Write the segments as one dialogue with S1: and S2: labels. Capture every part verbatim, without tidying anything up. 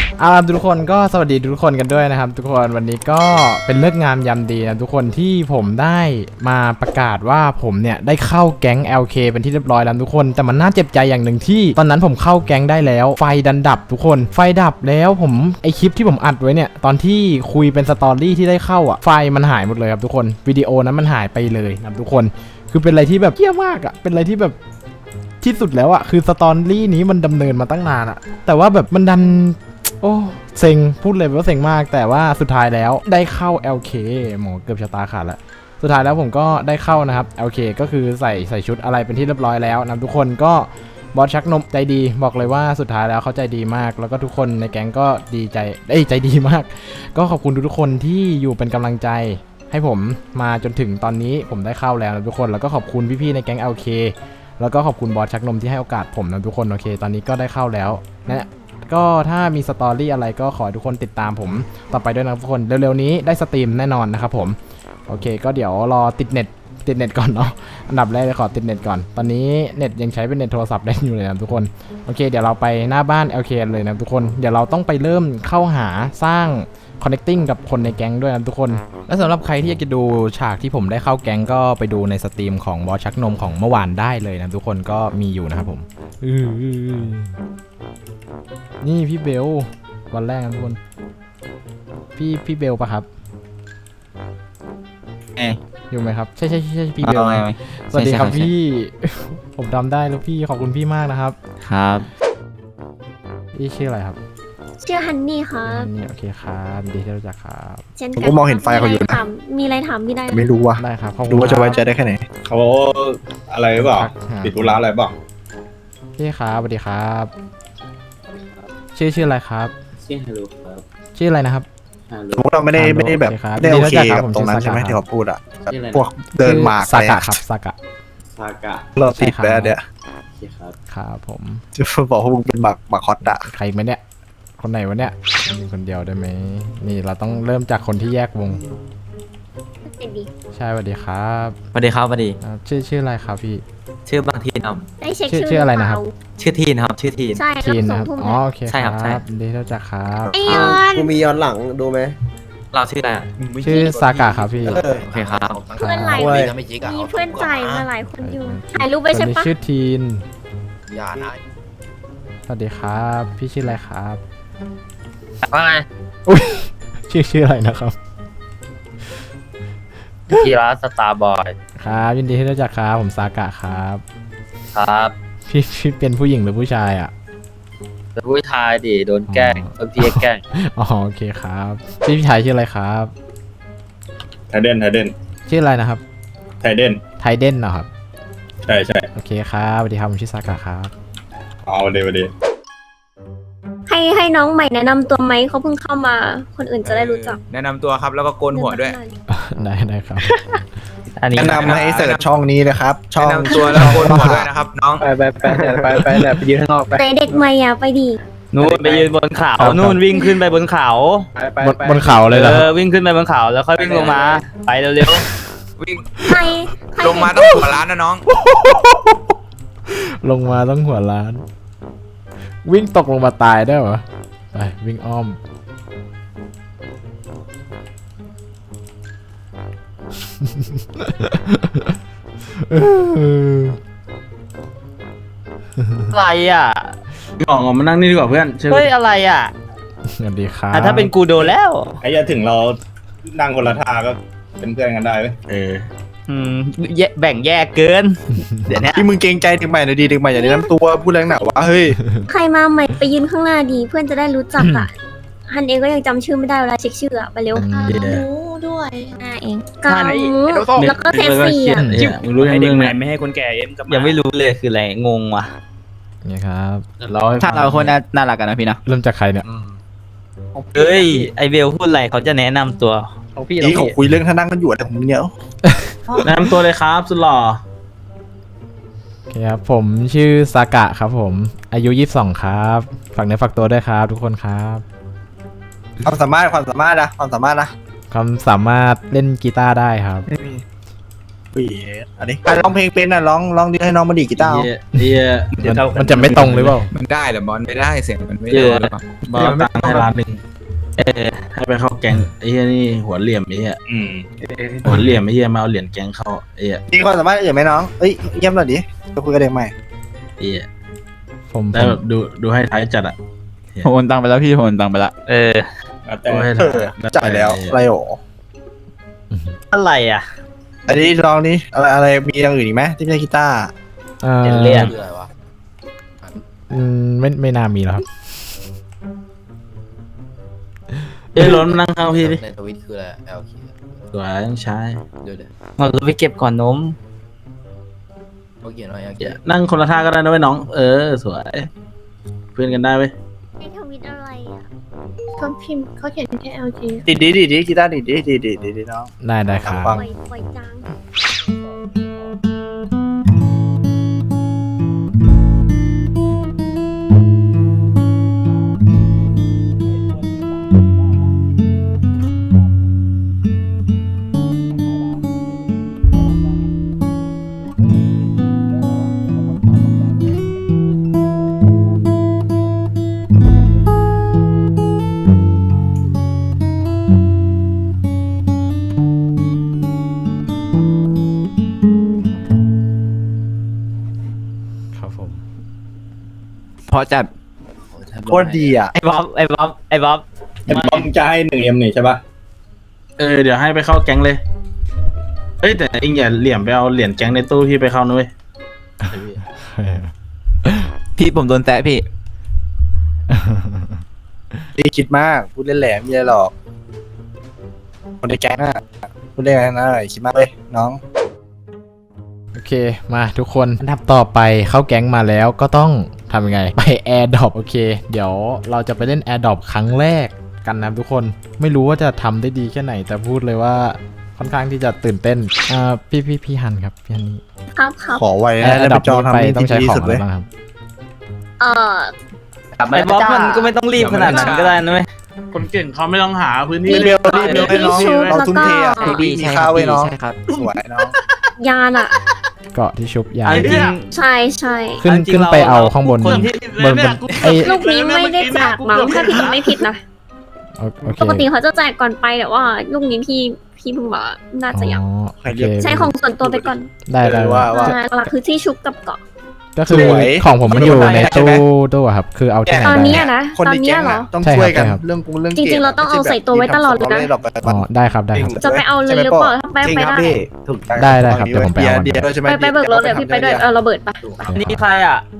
S1: เอาล่ะทุกคนก็สวัสดีทุกคนกันด้วยนะครับทุกคนวันนี้ก็เป็นเลิกงามยามดีนะทุกคนที่ผมได้มาประกาศว่าผมเนี่ยได้เข้าแก๊ง แอล เค เป็นที่เรียบร้อยแล้วทุกคนแต่มันน่าเจ็บใจอย่างหนึ่งที่ตอนนั้นผมเข้าแก๊งได้แล้วไฟดันดับทุกคนไฟดับแล้วผมไอคลิปที่ผมอัดไว้เนี่ยตอนที่คุยเป็นสตอรี่ที่ได้เข้าอ่ะไฟมันหายหมดเลยครับทุกคนวิดีโอนั้นมันหายไปเลยนะทุกคนคือเป็นอะไรที่แบบเหี้ยมากอ่ะเป็นอะไรที่แบบที่สุดแล้วอะคือสตอรี่นี้มันดำเนินมาตั้งนานอะแต่ว่าแบบมันดันโอ้เซ็งพูดเลยว่าเซ็งมากแต่ว่าสุดท้ายแล้วได้เข้า แอล เค หมอเกือบชะตาขาดแล้วสุดท้ายแล้วผมก็ได้เข้านะครับ แอล เค ก็คือใส่ใส่ชุดอะไรเป็นที่เรียบร้อยแล้วนะทุกคนก็บอสชักนมใจดีบอกเลยว่าสุดท้ายแล้วเขาใจดีมากแล้วก็ทุกคนในแก๊งก็ดีใจเอ้ยใจดีมากก็ขอบคุณทุกคนที่อยู่เป็นกำลังใจให้ผมมาจนถึงตอนนี้ผมได้เข้าแล้วนะทุกคนแล้วก็ขอบคุณพี่ๆในแก๊ง แอล เคแล้วก็ขอบคุณบอสชักนมที่ให้โอกาสผมนะทุกคนโอเคตอนนี้ก็ได้เข้าแล้วนะก็ถ้ามีสตอรี่อะไรก็ขอให้ทุกคนติดตามผมต่อไปด้วยนะทุกคนเร็วๆนี้ได้สตรีมแน่นอนนะครับผมโอเคก็เดี๋ยวรอติดเน็ตติดเน็ตก่อนเนาะอันดับแรกเลยขอติดเน็ตก่อนตอนนี้เน็ตยังใช้เป็นเน็ตโทรศัพท์ได้อยู่เลยนะทุกคนโอเคเดี๋ยวเราไปหน้าบ้าน แอล เค เลยนะทุกคนเดี๋ยวเราต้องไปเริ่มเข้าหาสร้าง connecting กับคนในแก๊งด้วยนะทุกคนและสำหรับใครที่อยากจะดูฉากที่ผมได้เข้าแก๊งก็ไปดูในสตรีมของบอสชักนมของเมื่อวานได้เลยนะทุกคนก็มีอยู่นะครับผมนี่พี่เบลวันแรกนะทุกคนพี่พี่เบลปะครับ
S2: เอ๊ะ
S1: อยู่ไหมครับใช่ใช่ใช่พี่เบลสวัสดีครับพี่ผมจำได้แล้วพี่ขอบคุณพี่มากนะครับ
S2: ครับ
S1: พี่ชื่ออะไรครับ
S3: ชื่อฮันนี่ครับ
S1: นี่โอเคครับดีที่รู้จักครับ
S4: ผมก็มองเห็นไฟเขาอยู่นะ
S3: มีอะไรถามพี่ได้
S4: ไม่รู้ว่ะ
S1: ได้ครับ
S4: ดูว่าจะไว้ใจได้แค่ไหน
S5: เขาอะไรหรือเปล่าปิดธุระอะไรเปล่า
S1: พี่ครับสวัสดีครับชื่อชื่ออะไรครับ
S2: ชื่อฮัลโหลครับ
S1: ชื่ออะไรนะครับ
S4: สมมติเราไม่ได้ไม่ได้แบบได้โอเคกับตรงนั้นใช่ไหมที่เขาพูดอ่ะพวกเดินมา
S1: สากะครับสากะ
S2: สากะ
S4: เราติดแล้วเนี่ย
S1: ครับผม
S4: จะบอกว่ามึงเป็นบักบักฮอตอะ
S1: ใครไหมเนี่ยคนไหนวะเนี่ยมีคนเดียวได้ไหมนี่เราต้องเริ่มจากคนที่แยกวงใช่สวัสดีครับ
S2: สวัสดีครับสวัสดี
S1: ชื่อชื่ออะไรครับพี่
S2: ชื่อบางทีครับ
S3: ได้เช็ค
S1: ชื่ออะไรนะครับ
S2: ชื่อทีนครับชื่อทีน
S3: ใช่
S1: ทีนนะครับอ๋อโอเคใช่ครับดีที่รู้จักครับ
S3: ไอยอน
S4: กูมีย้อนหลังดูไหม
S2: เราชื่ออะไร
S1: ชื่อซากะครับพี่
S2: โอเคครับ
S3: เพื่อนหลายมีเพื่อนใจมาหลายคนอยู่ถ่ายรูปไปใช่ปะ
S1: ชื่อทีน
S4: อย่านะ
S1: สวัสดีครับพี่ชื่ออะไรครับ
S2: ว่าไง
S1: อุ้ยชื่อชื่ออะไรนะครับ
S2: กีฬาสตาร์บอย
S1: ครับยินดีที่รู้จักครับผมซากะครับ
S2: ครับ
S1: พี่พี่เป็นผู้หญิงหรือผู้ชายอ่ะ
S2: เป็นผู้ชายดิโดนแกล้งโดนพี่แกล้ง
S1: อ๋อโอเคครับพี่พี่ชายชื่ออะไรครับ
S5: ไทเดนไทเดน
S1: ชื่ออะไรนะครับ
S5: ไทเดน
S1: ไทเดนเหรอครับ
S5: ใช่ใช่
S1: โอเคครับสวัสดีครับผมชื่อซากะครับ
S5: เอาเดี๋ยวเดี๋ยว
S3: ให้ให้น้องใหม่แนะนำตัวไหมเขาเพิ่งเข้ามาคนอื่นจะได้รู้จัก
S2: แนะนำตัวครับแล้วก็โกนหัวด้วย
S1: ได้ได้ครับ
S4: แนะนำให้เสิร์ชช่องนี้นะครับช่อง
S2: แนะนำตัวแล้วโกนหัวด้วยนะครับน้อง
S4: ไปไปไปไปไปไปยืนข้างนอกไป
S3: เด็กใหม่อ่ะไปดี
S2: นู่นไปยืนบนเขานู่นวิ่งขึ้นไปบนเขา
S1: บนเขาเลยเหรอ
S2: วิ่งขึ้นไปบนเขาแล้วค่อยวิ่งลงมาไปเร็วๆวิ่งลงมาต้องหัวล้านนะน้อง
S1: ลงมาต้องหัวล้านวิ่งตกลงมาตายได้เหรอไปวิ่งอ้อม
S2: อะไรอ่ะ
S4: ออกมานั่งนี่ดีกว่าเพื่อน
S2: เฮ้ยอะไรอ่ะ
S1: สวัสดีครับ
S2: ถ้าเป็นกูโดนแล้ว
S5: ไอ้ยาถึงเรานั่งคนละท่าก็เป็นเพื่อนกันได้ไหม
S2: เอออืมแบ่งแยกเกินเดี๋ยวนี้
S4: ที่มึงเกรงใจเด็กใหม่หน่อยดีเด็กใหม่อย่าแนะนำตัวพูดแรงหนาวะเฮ้ย
S3: ใครมาใหม่ไปยืนข้างหน้าดีเพื่อนจะได้รู้จักอ่ะฮันเองก็ยังจำชื่อไม่ได้เวลาเช็คชื่ออะไปเร็วรู้ด้วยอ่าเองกังแล้วก็เซฟซี่อ่ะ
S2: รู้ยังเรื่องไหนไม่ให้คนแก่เอ็มยังไม่รู้เลยคืออะไรงงว่ะ
S1: นี่ครับ
S2: เราถ้าเราคนน่ารักกันนะพี่นะ
S1: เริ่มจากใครเนี่ย
S2: เฮ้ยไอเบลพูดอะไรเขาจะแนะนำตัว
S4: นี่เขาคุยเรื่องท่านั่งกันอยู่อะไรของมึงเนี่ย
S2: แนะนำตัวเลยครับสุดหล่อ
S1: โอเคครับผมชื่อซากะครับผมอายุยี่สิบสองครับฝากเนื้อฝากตัวด้วยครับทุกคนครับ
S4: ความสามารถความสามารถนะความสามารถนะ
S1: ความสามารถเล่นกีตาร์ได้ครับ
S4: อุ้ยอันนี้การร้องเพลงเป็นอ่ะร้องร้องดีให้น้องมาดีกีตาร์
S6: เฮียเฮีย
S1: มันมันจะไม่ตรงหรือเปล่า
S2: มันได้เหรอบอลไม่ได้เสียงมันไม่
S6: เย
S2: ได้
S6: อะบอสตังค์ให้ล้านหนึ่งเออให้ไปเข้าแก๊งไอ้เฮียนี่หัวเหลี่ยมไอ้เฮีย
S5: อืม
S6: หัวเหลี่ยมไอ้เฮียมาเอาเหรียญแก๊งเข้าไอ้เฮีย
S4: มีความสามารถอื่นไหมน้องเอ้ยเยี่ยมหน่อยดิจะคุยกับเด็กใหม่
S6: ไอ้เฮีย
S1: ผมผ
S6: ได้
S1: ม
S6: แบบดูดูให้ท้ายจัดอ่ะ
S2: ผมโอนตังค์ไปแล้วพี่ผมโอนตังค์ไปละเออ
S5: แต่
S6: ดูให้
S4: เอ
S6: ท้าย
S4: อจ่ายแล้วอะไรโอ
S2: อะไรอ่ะ
S4: อันนี้ลองนี้อะไรอะไรมีอย่างอื่นอีกไหมที่ไม่ใช่กีตาร์
S1: เอ่อ
S2: เรียน
S1: อืมไม่ไม่น่ามีแล้วครับ
S6: เฮ้ยล้นนั่งข้างพี่ดิ
S7: ในทวิตคืออะไร แอล เค
S6: สวยต้องใช้
S7: เดี๋ยวเดี๋ยว
S2: เราไปเก็บก่อนนม
S7: เขาเขียนว่า แอล เค
S6: อย่านั่งคนละท่าก็ได้นะเว้ยน้องเออสวยเพื่อนกันได้เว้ย
S3: ในทวิตอะไรอ่ะ
S8: เขาพิมพ์เขาเขียนแค่ แอล จี
S4: ดีดีดีดีกีตาร์ดีดีดีดีดีดีน้อง
S1: ได้ได้ครับ
S4: ฟั
S3: ป
S4: ง
S3: ล่อยปล่อยจาง
S1: ครับผม
S2: พอจัด
S4: โคตรดีอ่ะ
S2: ไอ้บ๊อบไอ้บ๊อบไอ้บ๊อบ
S5: ไอ้บอมจะให้หนึ่งเอ็มนี่ใช่ปะ
S6: เออเดี๋ยวให้ไปเข้าแก๊งเลยเอ้ยแต่เองอย่าเหลี่ยมไปเอาเหรียญแก๊งในตู้พี่ไปเข้านุ้ย
S2: พี่ผมโดนแตะพี่
S4: ดีคิดมากพูดเล่นแหลมไม่ได้หรอกคนในแก๊งอ่ะพูดเล่นอะไรนะคิดมากเลยน้อง
S1: โอเคมาทุกคนอันดับต่อไปเข้าแก๊งมาแล้วก็ต้องทำยังไงไปแอร์ดรอปโอเค เดี๋ยวเราจะไปเล่นแอร์ดรอปครั้งแรกกันนะทุกคนไม่รู้ว่าจะทำได้ดีแค่ไหนแต่พูดเลยว่าค่อนข้างที่จะตื่นเต้นอ่าพี่พี่พี่ฮันครับพี่ฮันนี่
S3: ครับครับ
S4: ขอไว้
S1: แอ
S4: นะ
S1: ร์
S4: แล้ว
S1: ดร
S4: ไป
S1: อป
S4: จอง
S1: นี้ไป
S4: ทำนี่
S1: ต้องใช้
S4: ที่
S1: ของ
S4: สุด
S1: อะไร
S4: เลย
S1: บ้างครับ
S3: เอ่อ
S2: ไอ้บ๊อบมันก็ไม่ต้องรีบขนาดนั้นก็ได้นะเว้ย
S6: คนเก่งเขาไม่ต้องหาพื้นที่
S4: รีบเร็วรีบเร็วให้น้องเราทุ่มเทอ่ะ
S3: แล้วก็
S4: มีมีข้าวไว้น้องสวยน้อง
S3: ยานอ่ะ
S1: เกาะที่ชุบยา
S2: เอาจริง
S3: ใช่ใช่
S1: ขึ้น
S2: จริงๆ
S1: ขึ้นไป
S2: เรา
S1: เอาข้างบน
S2: คนที่
S1: บนบนไอ้
S3: ลูกนี้ไม่ได้แจกมั้งถ้าพี่ไม่ผิดนะ
S1: โอโอเค
S3: ปกติเขาจะแจกก่อนไปแต่ว่าลูกนี้พี่พี่เพิ่งบอกว่าน่าจะยัง
S1: อ๋อโอเค
S3: ใช้ของส่วนตัวไปก่อน
S1: ได้ได้
S4: ว่าว่า
S3: อ่าหลักคือที่ชุบกับเกาะ
S1: ก็คือ
S4: สวย
S1: ของผมมันอยู่ใน
S4: ใช่
S1: ตู้
S4: ไหม
S1: ตู้อะครับคือเอาที่ไหน
S3: ตอน
S1: ได้
S3: นี้อะนะ
S4: คน
S3: ตอ
S4: ใน
S3: นเนี้
S4: แก๊
S3: ย
S4: ง
S3: เหรอ
S4: อะต้อง
S1: ใช่
S4: ช่วย
S1: ครั
S4: กับ น
S1: ใช่ครับ
S4: เรื่องกูเรื่อง
S3: จริงๆเราต้องเอาใส่ตัวไว้ตลอดเลยนะ
S1: อ๋อได้ครับได้ครับ
S3: จะไปเอาเลยหรือเปล่าถ้าไป
S4: จริง
S3: ไป
S4: ครับ
S3: ได้
S4: พี่ถูก
S1: ได้ได้ครับเดี๋ยวผมไปเอา
S4: เดียวใช่ไหม
S3: ไปไปเบิกรถเดี๋ยวพี่ไปด้วยเออเราเบิดปะ
S2: นี่ใครอ่ะ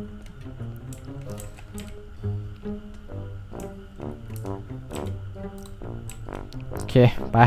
S1: โอเคไป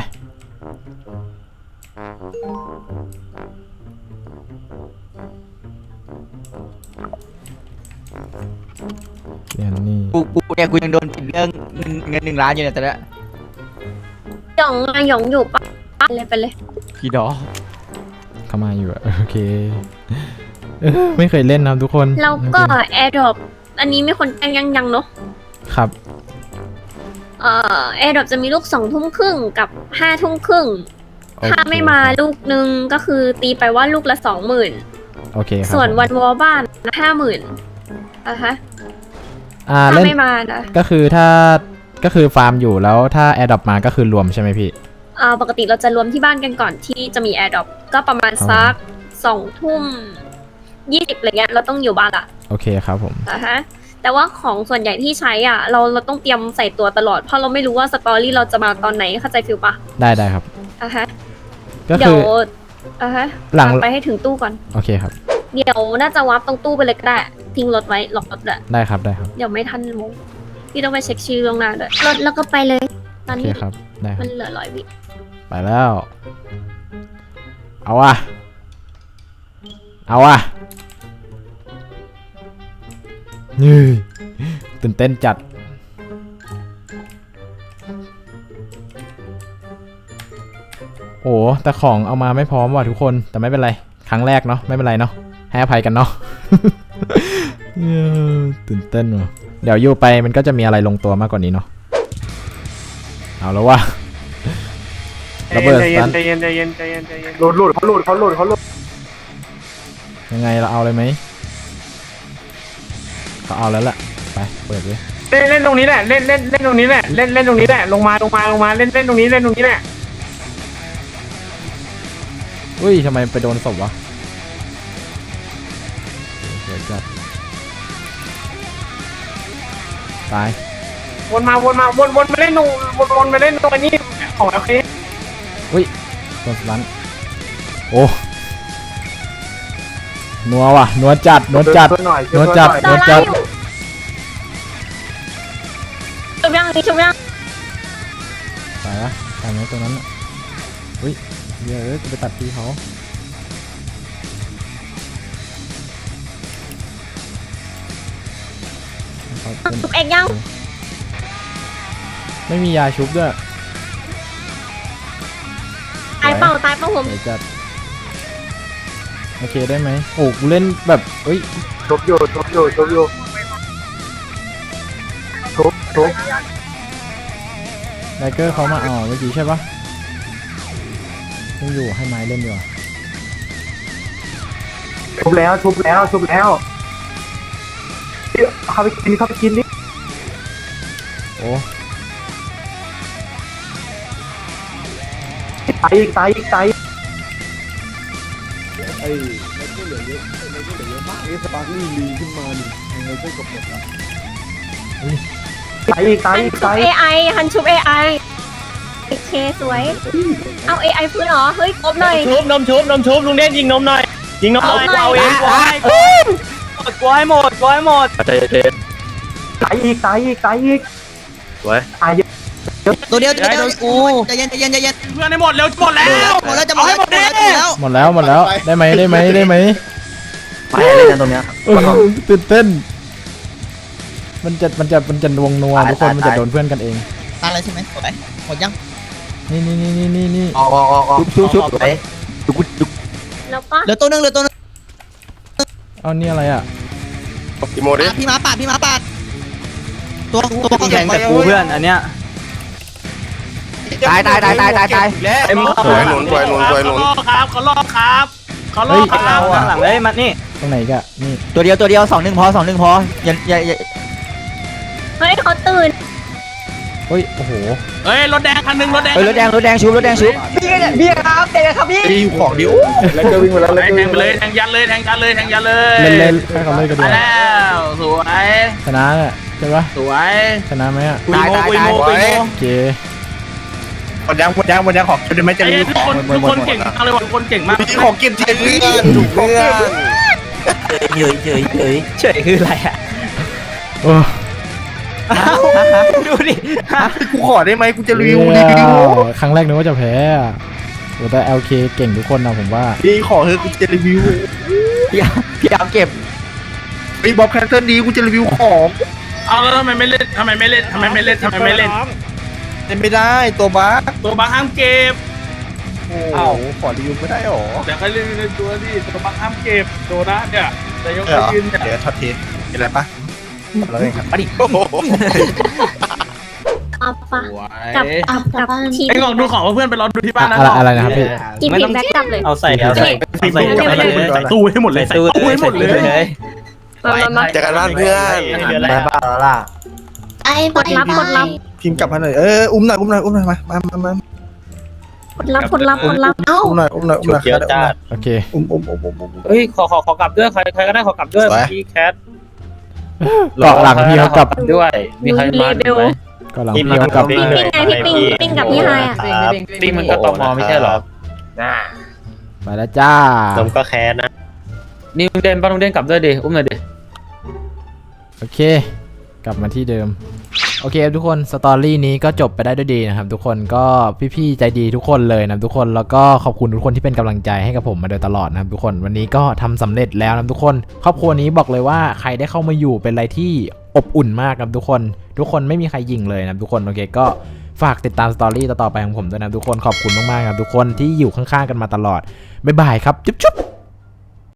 S1: เดี๋ยวนี่
S2: กูกูเนี่ยกูยังโดนผิดเรื่องเงินหนึ่งล้านอยู่เนี่ยแต่ละ
S3: หยองอะหยองอยู่ปะไปเลยไปเลย
S2: พี่ดอ
S1: เข้ามาอยู่อะโอเคเออไม่เคยเล่นนะทุกคน
S3: แล้วก็แอร์ดรอปอันนี้ไม่คนแจ้งยังยังเนาะ
S1: ครับ
S3: เอ่อแอร์ดรอปจะมีลูกสองทุ่มครึ่งกับห้าทุ่มครึ่ง
S1: โอเค
S3: ถ้าไม่มาลูกนึงก็คือตีไปว่าลูกละสองหมื่น
S1: โอเคครับ
S3: ส่วนวันวอลบ้านห้าหมื่นอ่ะฮะ
S1: อ่า
S3: ถ้า
S1: เล่น
S3: ไม่มานะ
S1: ก็คือถ้าก็คือฟาร์มอยู่แล้วถ้าแอร์ดรอปมาก็คือรวมใช่ไหมพี่
S3: อ่าปกติเราจะรวมที่บ้านกันก่อนที่จะมีแอร์ดรอปก็ประมาณสักสองทุ่มยี่สิบอะไรเงี้ยเราต้องอยู่บ้านละ
S1: โอเคครับผม
S3: อ่ะฮะแต่ว่าของส่วนใหญ่ที่ใช้อ่ะ เราเราต้องเตรียมใส่ตัวตลอดเพราะเราไม่รู้ว่าสตอรี่เราจะมาตอนไหนเข้าใจฟิลปะ
S1: ได้ได้ครับ
S3: อ่ะฮะ
S1: ก็
S3: เดี๋
S1: คื
S3: ยว
S1: อ
S3: อ่ะฮะ
S1: หลัง
S3: ตามไปให้ถึงตู้ก่อน
S1: โอเคครับ
S3: เดี๋ยวน่าจะวับตรงตู้ไปเลยก็ได้ทิ้งรถไว้ล็อกรถเลย
S1: ได้ครับได้ครับ
S3: เดี๋ยวไม่ทันมงพี่ต้องไปเช็คชื่อล่วงหน้าด้วยรถแล้วก็ไปเลย ตอ
S1: โอน เค
S3: นี้
S1: ครับได้ค
S3: มั
S1: รับ
S3: นเหลือร้อยวิ
S1: ไปแล้ว เอาว่ะเอาว่ะนี่ตื่นเต้นจัดโอ้แต่ของเอามาไม่พร้อมว่ะทุกคนแต่ไม่เป็นไรครั้งแรกเนาะไม่เป็นไรเนาะให้อภัยกันเนาะ เย้ตื่นเต้นว่ะเดี๋ยวอยู่ไปมันก็จะมีอะไรลงตัวมากกว่านี้เนาะเอาแล้วว่ะระเบิดสตัน
S6: ใจเย็นใจเย็นใจเย็นใจเย็น
S4: หลุดหลุดเขาหลุดเขาหลุดเขาหลุด
S1: ยังไงเราเอาเลยไหมเขาเอาแล้วล่ะไปเปิดเลย
S6: เล่นเล่นตรงนี้แหละเล่นเล่นเล่นตรงนี้แหละเล่นเล่นตรงนี้แหละลงมาลงมาลงมาเล่นเล่นตรงนี้เล่นตรงนี้แหละ
S1: อุ้ยทำไมไปโดนศพวะเดี๋ยวจัดตาย
S6: วนมาวนมาวนวนมาเล่นตรงวนวนมาเล่นตรงนี้ของโอเค
S1: โดนสตันโอ้นัวว่ะนัวจัดนัวจัด
S4: ช่วยหน่อย
S1: นัวจัด
S3: ต
S1: นั
S3: อ
S1: วน
S3: แร
S1: จั
S3: ก
S1: ด
S3: อยู่ชุบยังนี่ชุบยัง
S1: ตายละตายไหมตรงนั้นอ่ะอุ้ยเดี๋ยวเอ้ยจะไปตัดทีเขาเขาเป็น
S3: ชุบเอกยัง
S1: ไม่มียาชุบด้วย
S3: ตายเปล่าตายเปล่าผม
S1: เดี๋ยวจัดโอเคได้ไหมโอ้กูเล่นแบบเอ้ย
S4: ชกอยู่ชกอยู่ชกอยู่ชกชก
S1: ไลเกอร์เขามาเอาเมื่อกี้ใช่ปะยังอยู่ให้ไม้เล่นอยู่อะ
S4: ชุบแล้วชุบแล้วชุบแล้วเข้าไปกินเข้าไปกินดิ
S1: โอ้
S4: ตายอีกตายอีกตายอีก
S5: ไอ้แล้วก็เหลือเยอะแล้วก็เหลือเยอะมากไอ้สปาร์คลี่ลีขึ้นมาดิยังไงก็กบหมดอ่ะ
S4: ตายอีกตาย
S3: ฮัน
S4: อีก
S3: ชุบ
S4: ตาย
S3: เอไอฮันชุบเอไอโอเคสวย เอาเอไอฟื้นเหรอเฮ้ยครบเลย
S6: ชุบนมชุบนมชุบลุงเด่นยิงนมหน่อยยิงนมหน่อย
S3: เอาหน่อย
S6: เอาเองกวายกวายหมดกวายหมด
S2: ใจเย็น
S4: ตายอีกตายอีกตายอีก
S2: สวย
S4: ตายเยอะ
S9: ตัวเดียวตัวเดียวกูใจเย็นใจเย็นใจเย็น
S6: เพื่อนให้หมดเร็วหมดแล้ว
S9: หมดแล้วจะหมดแล้วหมดแล้ว
S1: หมดแล้วหมดแล้วได้ไหมได้ไหมได้ไหม
S2: ไปเล่นกันตรงเนี้ย
S1: เออตื่นเต้น มันจะมันจะมันจะนวงนัวทุกคนมันจะโดนเพื่อนกันเอง
S9: ตายอะไรใช่ไหมหมดไหมหมดยัง
S1: นี่นี่นี่นี่นี่นี่
S2: ออกออกออกออกชุบชุบไป
S3: แล้วก็
S9: เหลือตัวนึงเหลือตัวนึง
S1: เอานี่อะไรอ่ะ
S4: กี่โมดิ
S9: พี่ม้าปาดพี่ม้าปาดตัวตัวเขา
S2: แข่งแต่กูเพื่อนอันเนี้ยตายตายตายตายตายตายเอ็ม
S4: สวยหนุนสวยหนุนสวยหนุน
S6: ครับเขาลอกครับเขาล
S1: เฮ้
S6: อย กครับ
S2: หลังเลยมันนี่
S1: ตรงไหนกะนี่
S9: ตัวเดียวตัวเดียวสองหนึ่งพอสองหนึ่งพออย่าอย่าอย่า
S3: เฮ้ยเขาตื่น
S1: เฮ้ยโอ้โห
S6: เฮ้ยรถแดงคันหนึ่งรถแดง
S9: เฮ้ยรถแดงรถแดงชุบรถแดงชุบ
S4: ตีอยู่ของดิวแล้วก็วิ่งไปแล้วแล้ว
S6: แท
S4: ก็
S6: ง
S4: วิ่ง
S6: ไป
S4: ไป
S6: เล
S4: เลย ย
S6: แทงยันเลยแทงยันเลยแทงยันเลย
S1: เล่นเล่นให้เขาเล่นกันดี
S6: มาก
S1: ว่า
S6: แล้วสวย
S1: ชนะเนี่ยใช่ปะ
S6: สวย
S1: ชนะไหมอ่ะ
S6: คุยโมคุยโมคุยโม
S1: โอเค
S4: หมดยังหมดยังหมดยังของจะได้ไหมจะ
S6: ไอ้
S4: รี
S6: ทุกคนทุกคนเก่งมากเลยว่ะทุกคนเก่งมาก
S4: มีของกินเทนเพื่อนถูกเพื่อน
S2: เฉยเฉยเฉยเฉยคืออะไรอ่ะ
S1: โอ้
S2: ดูดิ
S4: กูขอได้ไหมกูจะรีวิวรี
S1: เหี้
S4: วิ
S1: ยว ครั้งแรกนึกว่าจะแพ้อะโอ้แต่ แอล เค เก่งทุกคนนะผมว่า
S4: ดีขอเถอะกูจะรีวิว
S2: พี่พี่เอาเก็บ
S4: ไอ้บ๊อบแคนเซิลดีกูจะรีวิวของ
S6: เอาแล้วทำไมไม่เล่นทำไมไม่เล่นทำไมไม่เล่นทำไมไม่เล่น
S4: เล่นไม่ได้ตัวบั๊ก
S6: ตัวบังห้ามเก็บ
S4: โอ้ขอรีวิวไม่ได้หรอ
S6: แต่ก็เล่นในตัวนี่ตัวบังห้ามเก็บโดนะเนี่ยแต่ยก
S4: เออ
S6: ยืนเนี่ย
S4: เดี๋ยวช็อตเทสเป็นไรปะเราเองครับมาดิ
S3: เอาปะ
S6: สวย
S3: กับกับกับทีม
S6: ไอ้กล่องดูของเพื่อนไปรอดูที่บ้านนะ
S1: อะไรอะไรนะครับพี่
S3: ทีมทีมแบ็กกลับเลย
S2: เอาใส่เอาใส่
S6: ใส่ตู้ใส่ตู้ให้หมดเลยใส่ตู้ให้หมดเลย
S3: มามามา
S4: เจอกันบ้านเพื่อน
S2: ไปบ้าแล้วล่ะ
S8: ไอ้
S3: กดรับกดรับ
S4: พิมพ์กลับมาหน่อยเอออุ้มหน่อยอุ้มหน่อยอุ้มหน่อยมามามามา
S3: กดรับกดรับกดรับ
S8: เอ้า
S4: อุ้มหน่อยอุ้มหน่อยอุ้มหน่อย
S2: เกียวจ้า
S1: โอเค
S4: อุ้มอุ้มอุ้มอุ้มอุ้ม
S6: เฮ้ยขอขอขอกลับด้วยใครใครก็ได้ขอกลับด้วยพี่แคท
S1: เกาะหลังพี่เขากลับ
S6: ด้วยมีใครมาไหม
S1: เกาะหลังพี่เขากลับ
S3: ปิ้งไงพี่ปิ้งปิ้งกับพี่ไฮอ่ะ
S6: ปิ้งมันก็ตมไม่ใช่หรอ
S1: ไปแล้วจ้า
S2: ผมก็แค้นนะ
S6: นี่ลุงเด่นป้าลุงเด่นกลับด้วยดิอุ้มหน่อยดิ
S1: โอเค กลับมาที่เดิม โอเคทุกคนสตอรี่นี้ก็จบไปได้ด้วยดีนะครับทุกคนก็พี่ๆใจดีทุกคนเลยนะทุกคนแล้วก็ขอบคุณทุกคนที่เป็นกำลังใจให้กับผมมาโดยตลอดนะครับทุกคนวันนี้ก็ทำสำเร็จแล้วนะทุกคนครอบครัวนี้บอกเลยว่าใครได้เข้ามาอยู่เป็นอะไรที่อบอุ่นมากครับทุกคนทุกคนไม่มีใครยิงเลยนะทุกคนโอเคก็ฝากติดตามสตอรี่ต่อๆไปของผมด้วยนะทุกคนขอบคุณมากๆครับทุกคนที่อยู่ข้างๆกันมาตลอดบ๊ายบายครับจุ๊บๆ